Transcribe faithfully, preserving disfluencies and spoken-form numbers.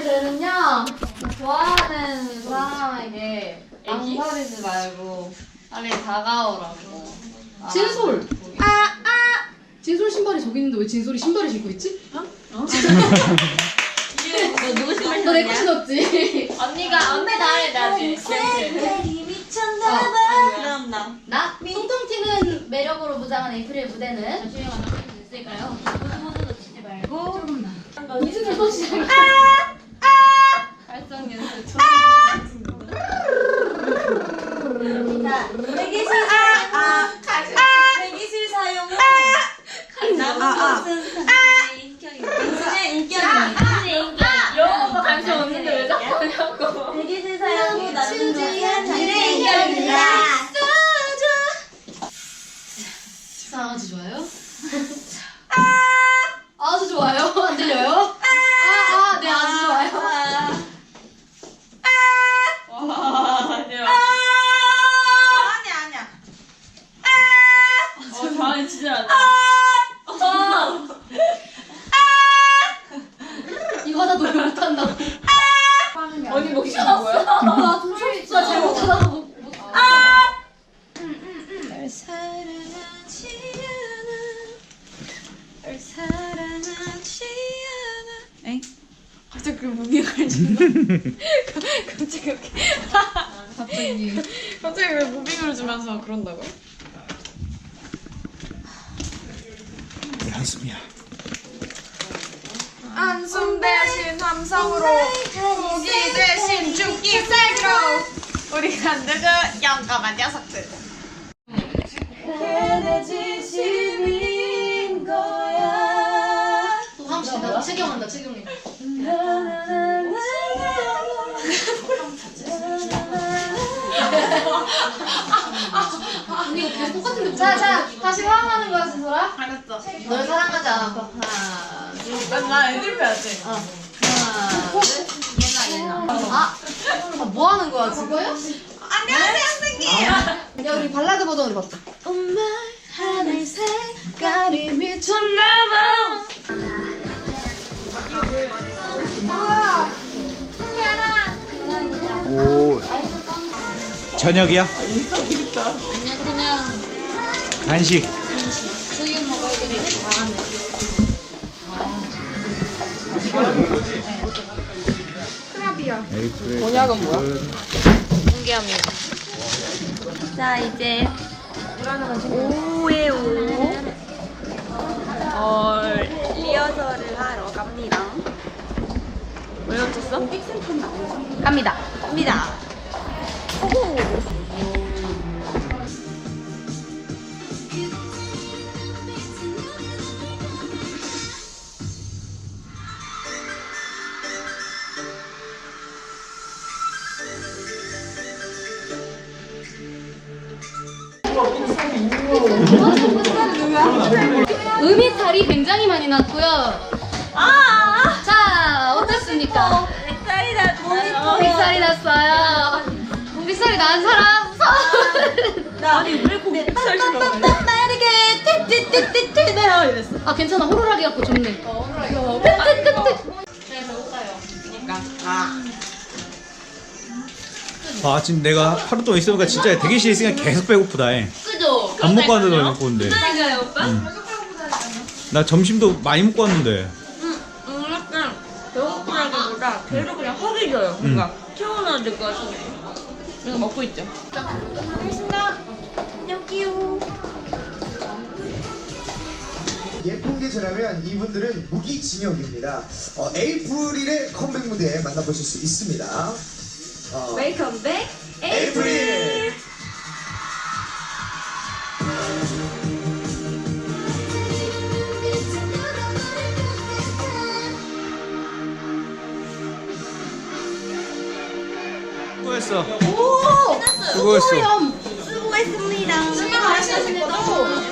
저는요 좋아하는 사람에게 망설이지 말고 빨리 다가오라고. 진솔. 아 아. 진솔 신발이 저기 있는데 왜 진솔이 신발을 신고 있지? 어? 어? 너 누구 신발 너 내 거 신었냐? 신었지? 언니가 언니 나를 나지. 그럼 나. 나 통통 튀는 매력으로 무장한 에이프릴 무대는 잠시만 만날 수 있을까요? 모두 놓치지 말고 이승철 또 시작. 발성 연습 좀. 자, 대기실 사용. 대기실 사용. 남은 것은 당신의 인격입니다. 영어가 관심 없는데 왜 자꾸 하냐고. 대기실 사용 후 남은 것은 당신의 인격입니다. 아주 좋아요. 아주 좋아요. 안 들려요? 아, 아, 네, 아주 좋아요. 와, 대박. 아니야, 아니야. 어, 다음에 진짜 안 돼. 이거 하나 노래 못한다고. 언니 목 쉬는 거야? 나 진짜 잘 못하다고 못. 못- 널 사랑하지 않아. 널 사랑하지 않아. 엥? 갑자기 그 무빙을 준다. 갑자기 이렇게. 갑자기. 갑자기 왜 무빙을 주면서 그런다고? 한숨이야. 한숨 대신 함성으로 고기 대신 죽기 세기로 우리가 늙은 영감한 녀석들. 그게 내 진심인 거야. 또 함수다. 채경한다, 채경이. 언니 이거 계속 똑같은데. 자, 자, 다시 화음하는 거야, 스소라. 알았어. 널 사랑하지 않아. 하나, 둘, 나 애들 빼야지. 어. 하나, 둘. 얘나, 얘나. 아, 아, 뭐 하는 거야, 지금? 안녕하세요, 선생님. 야, 우리 발라드 버전으로 봤다. 엄마 하늘 색깔이 미쳤나봐. 오. 저녁이야? 간식. 에이프릴. 곤약은 뭐야? 공개합니다. 자 이제 오에 오 어, 리허설을 하러 갑니다. 왜 놓쳤어? 갑니다. 갑니다. 음이탈이 굉장히 많이 났고요. 아, 자, 어떻습니까? 뱃살이 났어요. 빅살이 났어요. 빅살이 난 사람 손. 나 아니 왜 거기 뱃살이 나? 빠르게 띠띠띠띠띠 내려 이랬어. 아, 괜찮아. 호루라기 갖고 좋네. 아, 지금 내가 하루 동안 있어보니까 진짜 대기실에 있으니까 계속 배고프다. 해. 그죠? 밥 먹고 왔는데 왜 먹고 온대. 그러니까요, 오빠. 나 점심도 많이 먹고 왔는데. 음, 약간 배고프다기보다 계속 그냥 허기 져요. 뭔가 태어나야 될 것 같은데. 이거 먹고 있죠. 알겠습니다. 여기요. 예쁜 게 저라면 이분들은 무기징역입니다. 어, 에이프릴의 컴백 무대 만나보실 수 있습니다. 어, 웰컴 백 에이프릴! 수고했어. 오! 수고했어. 수고했습니다. 하시는 거죠?